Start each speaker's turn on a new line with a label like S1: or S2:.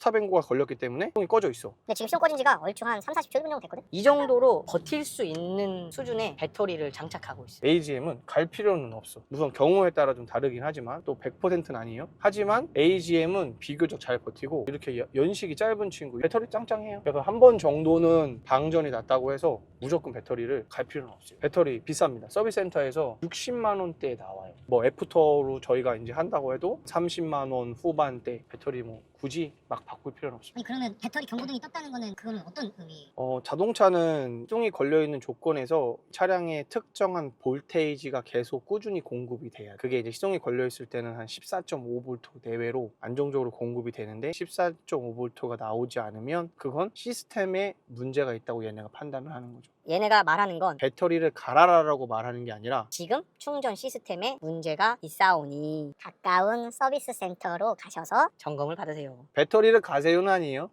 S1: 스탑앤고가 걸렸기 때문에 시동이 꺼져 있어.
S2: 근데 지금 시동 꺼진 지가 얼추 한 3, 40초 1분 정도 됐거든? 이 정도로 버틸 수 있는 수준의 배터리를 장착하고 있어요.
S1: AGM은 갈 필요는 없어. 우선 경우에 따라 좀 다르긴 하지만 또 100%는 아니에요. 하지만 AGM은 비교적 잘 버티고 이렇게 연식이 짧은 친구 배터리 짱짱해요. 그래서 한 번 정도는 방전이 났다고 해서 무조건 배터리를 갈 필요는 없어요. 배터리 비쌉니다. 서비스 센터에서 60만 원대에 나와요. 뭐 애프터로 저희가 이제 한다고 해도 30만 원 후반대. 배터리 뭐 굳이 막 바꿀 필요는 없어요.
S2: 아니 그러면 배터리 경고등이 떴다는 거는 그거는 어떤 의미예요?
S1: 자동차는 시동이 걸려있는 조건에서 차량의 특정한 볼테이지가 계속 꾸준히 공급이 돼요. 그게 이제 시동이 걸려있을 때는 한 14.5V 내외로 안정적으로 공급이 되는데 14.5V가 나오지 않으면 그건 시스템에 문제가 있다고 얘네가 판단을 하는 거죠.
S2: 얘네가 말하는 건
S1: 배터리를 갈아라라고 말하는 게 아니라
S2: 지금 충전 시스템에 문제가 있사오니 가까운 서비스 센터로 가셔서 점검을 받으세요.
S1: 배터리를 가세요는 아니에요.